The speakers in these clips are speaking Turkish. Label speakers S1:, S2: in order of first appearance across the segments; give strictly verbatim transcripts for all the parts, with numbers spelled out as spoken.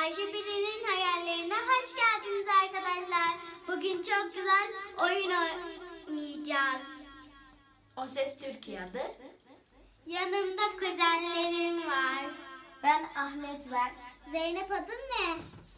S1: Ayşe Peri'nin hayallerine hoş geldiniz arkadaşlar. Bugün çok güzel oyun oynayacağız.
S2: O Ses Türkiye'de.
S1: Yanımda kuzenlerim var.
S2: Ben Ahmet Berk.
S1: Zeynep adın ne?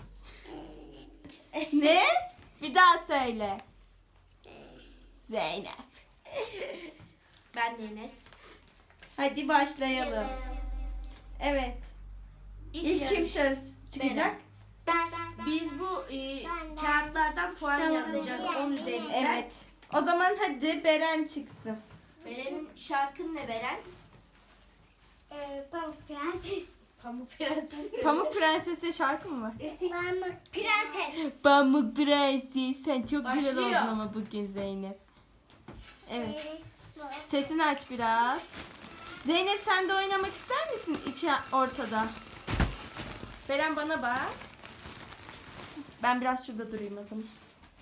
S3: Ne? Bir daha söyle. Zeynep.
S2: Ben Enes.
S3: Hadi başlayalım. Evet. İlk kim
S2: yarış-
S3: çıkacak?
S1: Ben.
S2: Biz bu e, kağıtlardan puan yazacağız on üzerinden.
S3: Evet. O zaman hadi Beren çıksın.
S2: Beren'in şarkın ne Beren?
S1: Ee, Pamuk Prenses.
S2: Pamuk Prenses.
S3: Pamuk Prenses'e şarkı mı var?
S1: Pamuk Prenses.
S3: Pamuk Prenses. Sen çok güzel
S2: Başlıyor.
S3: oldun ama bugün Zeynep. Evet. Sesini aç biraz. Zeynep sen de oynamak ister misin içi ortada? Beren bana bak. Ben biraz şurada durayım o zaman.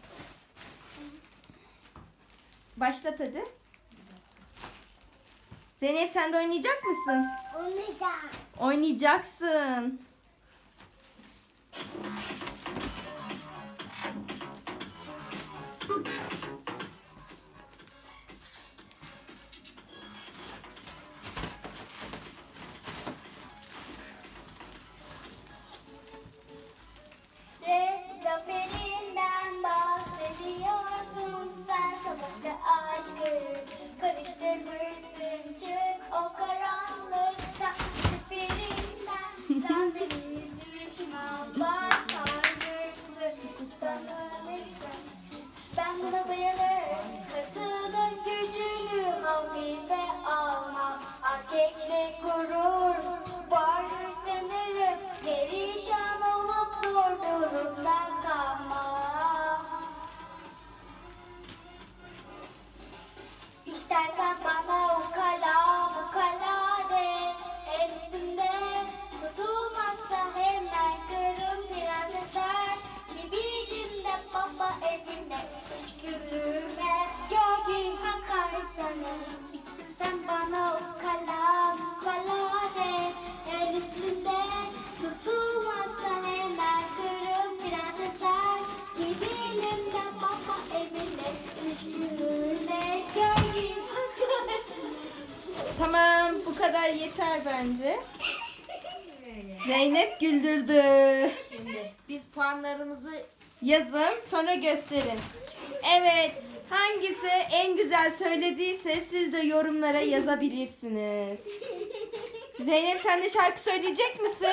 S3: Başlat hadi. Zeynep sen de oynayacak mısın?
S1: Oynayacağım.
S3: Oynayacaksın.
S1: Ve zaferinden bahsediyorsun sen, savaşta aşkı karıştırmışsın, çık o karanlıkta zaferinden. Sen beni düşmanlar sarmışsın, sana ne güzel. Ben buna bayılırım, katılın gücünü hafife alma, erkeklik gurur vardır sanırım, perişan olup zor durumda kalma. İstersen bana ukala ukala de, el üstümde tutulmazsa hemen kırım, prensesler gibiydim de baba evine, teşekkürüme gölge hakar sanırım. Sen bana ukala ukala de, el üstünde tutulmazsa hemen kırım, prensesler gibiydim de baba evine, teşekkürüme gölge hakar.
S3: Tamam, bu kadar yeter bence. Zeynep güldürdü.
S2: Şimdi biz puanlarımızı
S3: Yazın, sonra gösterin. Evet, hangisi en güzel söylediyse siz de yorumlara yazabilirsiniz. Zeynep sen de şarkı söyleyecek misin?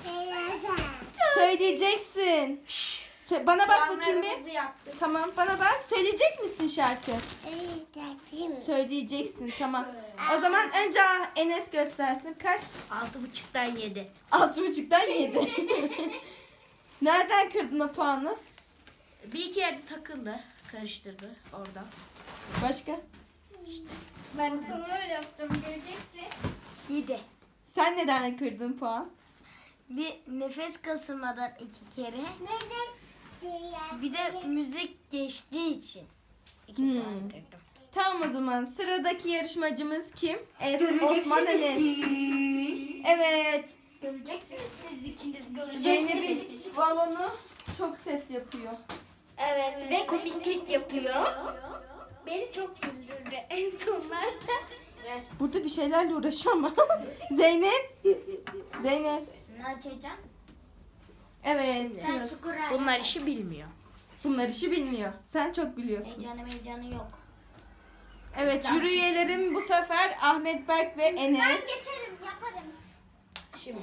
S3: Söyleyeceksin. Şşş, sö- bana bak bakayım
S2: puanlarımızı
S3: bir.
S2: yaptık.
S3: Tamam, bana bak. Söyleyecek misin şarkı? Söyleyeceksin, tamam. O zaman önce Enes göstersin. Kaç?
S2: Altı buçuktan yedi.
S3: Altı buçuktan yedi. Nereden kırdın o puanı?
S2: Bir iki yerde takıldı. Karıştırdı oradan.
S3: Başka?
S1: Ben de sana öyle yaptım, göreceksin.
S2: Yedi.
S3: Sen neden kırdın puan?
S2: Bir nefes kasılmadan iki kere. Bir de müzik geçtiği için iki
S3: Hmm.
S2: puan kırdım.
S3: Tamam o zaman sıradaki yarışmacımız kim? Es Osman Enes. Evet.
S1: Göreceksiniz siz ikiniz, göreceksiniz.
S3: Zeynep'in balonu çok ses yapıyor.
S1: Evet ve komiklik yapıyor. Beni çok güldürdü en sonlarda.
S3: Burada bir şeylerle uğraşıyor ama. Zeynep. Zeynep.
S1: Ne açacağım?
S3: Evet.
S1: Sen
S3: sıra-
S1: çukur
S2: Bunlar işi bilmiyor.
S3: Bunlar işi bilmiyor. Sen çok biliyorsun.
S1: Heyecanı heyecanı yok.
S3: Evet jüri üyelerim bu sefer Ahmet Berk ve Enes.
S1: geçerim, yaparım.
S2: Şimdi.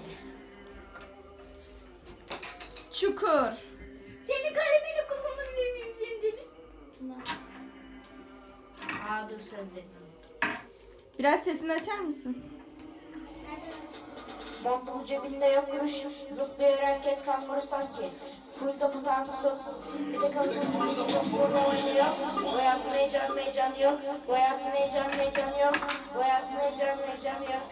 S3: Çukur.
S1: Senin kalemini kullanabilir miyim şimdilik?
S2: Aa dur sözlerini.
S3: Biraz sesini açar mısın?
S2: Montun cebinde yok kuruş. Zıplıyor herkes kanguru sanki. Full da putansın. Bir de kafasını burada oynuyor. Bu hayatın heyecanı heyecanı yok. Bu hayatın heyecanı heyecanı yok. Bu hayatın heyecanı heyecanı yok.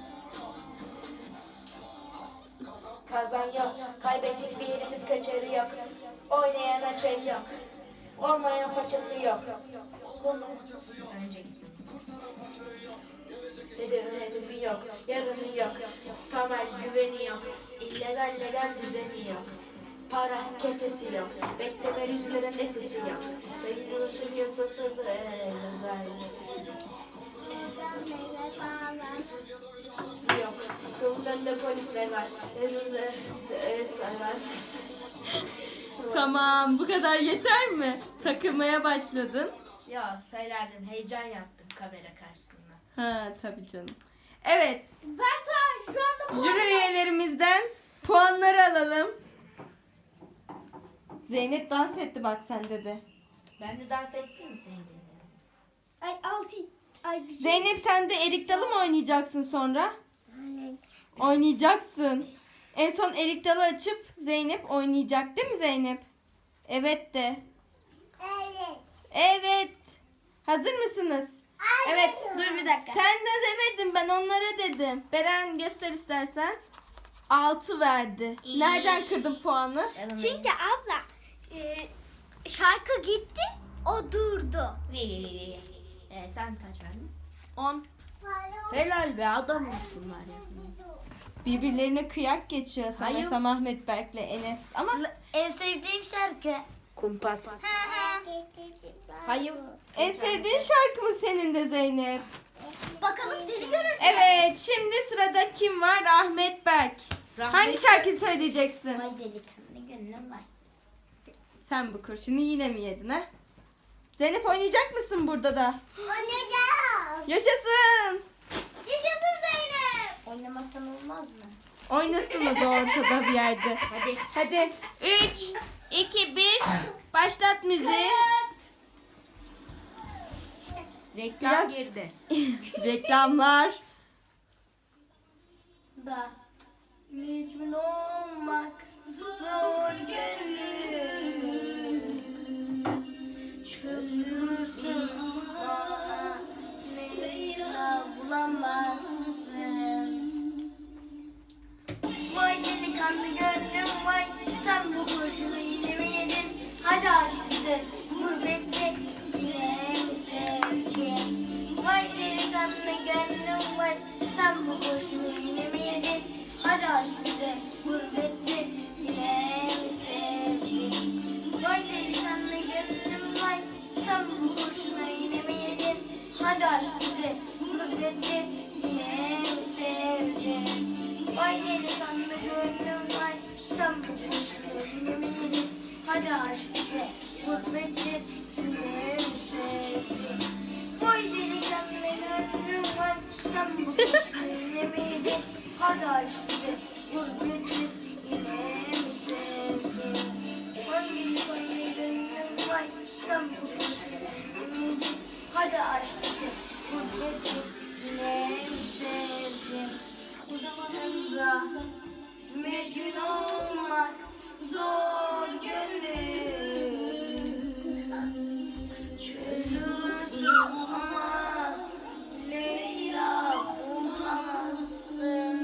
S2: Kazan yok. Kaybedecek bir yerimiz kaçarı yok. Oynayana şey yok. Olmayan façası yok. Önce gittim. Hedefi, hedefi yok, yarını yok. Temel güveni yok. İllegal legal düzeni yok. Para kesesi yok. Bekleme rüzgarın esesi yok. Beyin buluşur yasıltıdı. Yok. Kapının önünde polisler var. Önünde sarlar.
S3: Tamam, bu kadar yeter mi? Takılmaya başladın.
S2: Ya söylerdim, heyecan yaptım kamera karşısında.
S3: Ha, tabii canım. Evet,
S1: Ben ta şu anda
S3: jüri üyelerimizden puanları alalım. Zeynep dans etti bak sende de.
S2: Ben de dans ettim mi senin dediğin?
S1: Ay altı. Ay bir şey.
S3: Zeynep sen de erik dalı mı oynayacaksın sonra?
S1: Aynen.
S3: Oynayacaksın. En son erik dalı açıp Zeynep oynayacak değil mi Zeynep? Evet de.
S1: Evet.
S3: Evet. Hazır mısınız? Evet.
S1: Dur bir dakika.
S3: Sen de demedin, ben onlara dedim. Beren göster istersen. altı verdi.
S1: İyi.
S3: Nereden kırdın puanı?
S1: Çünkü abla e, şarkı gitti, o durdu.
S2: Ee, sen kaç verdin? on. Helal be, adam mısın var ya.
S3: Birbirlerine kıyak geçiyor
S2: Hayır.
S3: sanırsam Ahmet Berk'le Enes. Ama
S1: En sevdiğim şarkı.
S2: Kumpas. Hayır.
S3: en sevdiğin şarkı mı senin de Zeynep?
S1: Bakalım seni göreceğiz.
S3: Evet, şimdi sırada kim var? Ahmet Berk.
S2: Rahmet-
S3: Hangi şarkıyı söyleyeceksin?
S1: Vay delikanlı gönlüm var.
S3: Sen bu kurşunu yine mi yedin ha? Zeynep oynayacak mısın burada da?
S1: Oynayacağım.
S3: Yaşasın.
S1: Yaşasın Zeynep.
S2: Oynamasan olmaz mı?
S3: Oynasın o da ortada bir yerde.
S2: Hadi.
S3: Hadi üç, iki, bir. Başlat müziği.
S2: Reklam
S3: Biraz-
S2: girdi.
S3: Reklamlar.
S2: Da. Mecnun olmak zor gönlüm. Çözülürsün ama Leyla bulamazsın. Vay delikanlı gönlüm vay, sen bu kurşunu yine mi yedin? Hadi aşk bize gurbette yine mi sevdin? Vay delikanlı gönlüm vay, sen bu kurşunu yine mi yedin? Hadi aşk bize gurbette yine mi sevdin? Vay delikanlı gönlüm vay, sen bu kurşunu yine mi yedin? Hadi aşk bize gurbette yine mi sevdin? Vay delikanlı gönlüm vay, sen bu kurşunu yine mi yedin? Hadi aşk bize gurbette yine mi sevdin? Vay delikanlı gönlüm vay, sen bu kurşunu yine mi yedin? Hadi aşk bize gurbette yine mi sevdin? Vay delikanlı gönlüm vay, sen bu kurşunu yine mi yedin? Hadi aşk bize gurbette yine mi sevdin? Emrah, mecnun olmak zor gönlüm. Çözülürsün ama Leyla bulamazsın.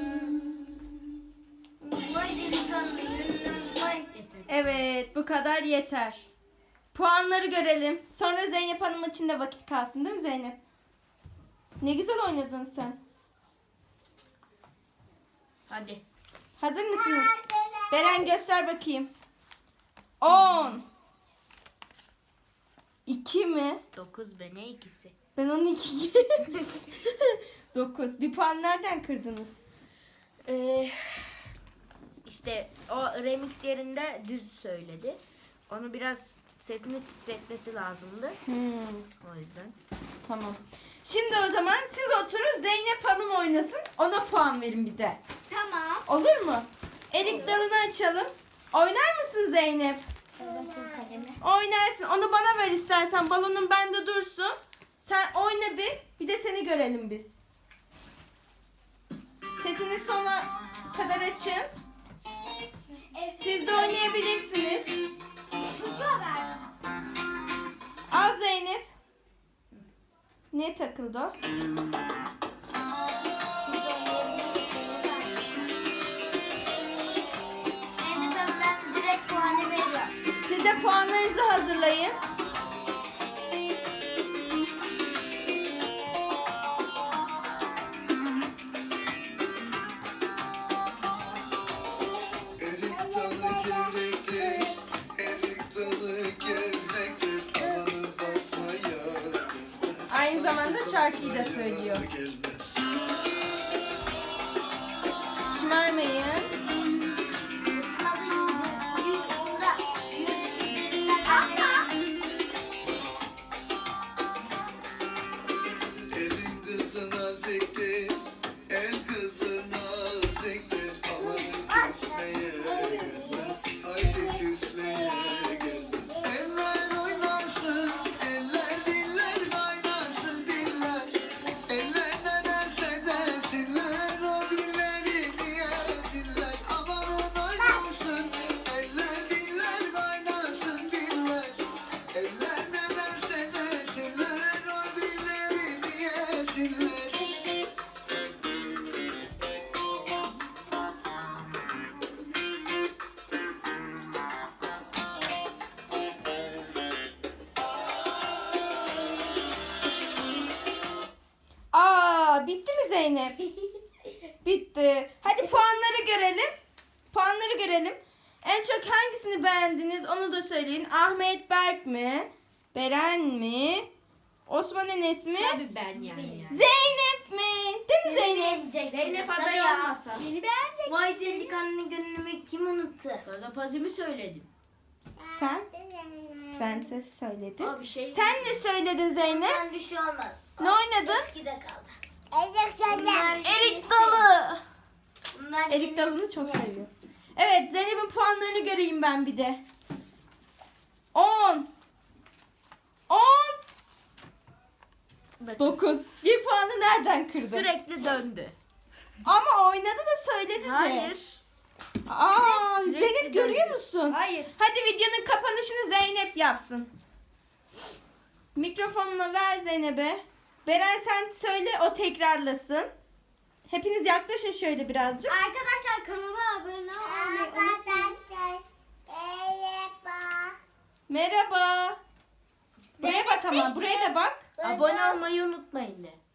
S2: Vay delikanlı gönlüm vay.
S3: Evet, bu kadar yeter. Puanları görelim. Sonra Zeynep Hanım için de vakit kalsın değil mi Zeynep? Ne güzel oynadın sen.
S2: Hadi.
S3: Hazır mısınız? Beren göster bakayım. on. iki mi?
S2: Dokuz be, ne ikisi?
S3: Ben onu iki gibi. dokuz. Bir puan nereden kırdınız?
S2: Ee, işte o remix yerinde düz söyledi. Onu biraz sesini titretmesi lazımdı.
S3: Hmm,
S2: O yüzden.
S3: tamam. Şimdi o zaman siz oturun, Zeynep Hanım oynasın. Ona puan verin bir de.
S1: Tamam.
S3: Olur mu? Erik dalını açalım. Oynar mısın Zeynep?
S1: Bakayım kalemi.
S3: Oynarsın. Onu bana ver istersen. Balonun bende dursun. Sen oyna bir. Bir de seni görelim biz. Sesini sona kadar açın. Siz de oynayabilirsiniz.
S1: Çocuğa ver.
S3: Al Zeynep. Ne takıldı o?
S1: Biz oynayabilir misiniz? Zeynep Hanım, ben direkt puanı veriyorum.
S3: Siz de puanlarınızı hazırlayın. şarkıyı da söylüyor. Şımarmayın.
S4: Elin kızına ziktir, el kızına ziktir. Aman küsmeye gelmez, haydi küsmeye gelmez. Eller oynasın, eller diller kaynasın diller. Eller ne derse desinler, o dilleri diyesinler. Amanın oynasın, eller diller kaynasın diller. Eller ne derse desinler, o dilleri diyesinler.
S3: Aa, bitti mi Zeynep? Bitti. Hadi puanları görelim. Puanları görelim. En çok hangisini beğendiniz onu da söyleyin. Ahmet Berk mi? Beren mi? Osman Enes mi?
S2: Tabii ben yani. yani.
S3: Zeynep mi? Değil mi Zeynep?
S2: Zeynep adayı olmasa.
S1: Beni beğenecek.
S2: Vay delikanlı gönlümü kim unuttu? Gazapazimi söyledim.
S3: Sen? Prenses söyledi.
S2: Aa, bir şey.
S3: Sen ne söyledin Zeynep?
S1: Ben bir şey olmaz.
S3: Ne oynadın?
S1: Eskide kaldı. Bunlar
S3: Erik
S1: yenisi.
S3: dalı.
S1: Bunlar
S3: Erik
S1: yeni-
S3: dalını çok seviyor. Evet, Zeynep'in puanlarını göreyim ben bir de. on. on. dokuz. Bir puanı nereden kırdın?
S2: Sürekli döndü.
S3: Ama oynadı da söyledi de.
S2: Hayır.
S3: Aa,
S2: Sürekli
S3: Zeynep
S2: döndü.
S3: görüyor musun?
S2: Hayır.
S3: Hadi videonun kapanışını Zeynep yapsın. Mikrofonunu ver Zeynep'e. Beren sen söyle, o tekrarlasın. Hepiniz yaklaşın şöyle birazcık.
S1: Arkadaşlar kanalıma abone olmayı unutmayın.
S3: Merhaba. Buraya
S1: Zeynep
S3: bak ama,
S1: de-
S3: buraya da bak.
S2: Abone olmayı unutmayın de.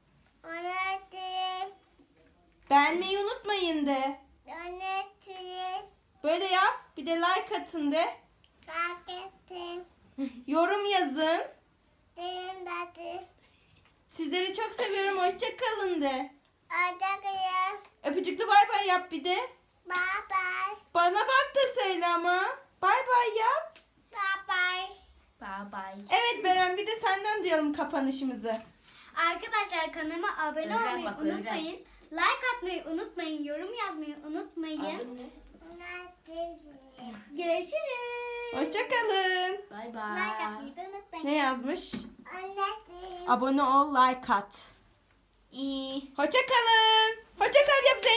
S3: Beğenmeyi unutmayın de. Böyle yap. Bir de like atın de. Yorum yazın. Sizleri çok seviyorum. Hoşça kalın de. Öpücüklü bay bay yap bir de. Bana bak da söyle ama. Bay bay yap.
S2: Bye bye.
S3: Evet Beren, bir de senden duyalım kapanışımızı.
S1: Arkadaşlar kanalıma abone
S2: Öğren
S1: olmayı
S2: bak, öğren.
S1: unutmayın. Like atmayı unutmayın. Yorum yazmayı unutmayın.
S2: Adın ne?
S1: Görüşürüz.
S3: Hoşça kalın.
S2: Bye
S1: Like
S2: bye.
S1: atmayı da unutmayın.
S3: Ne yazmış? Abone ol, like at.
S2: İyi.
S3: Hoşça kalın. Hoşça kal yap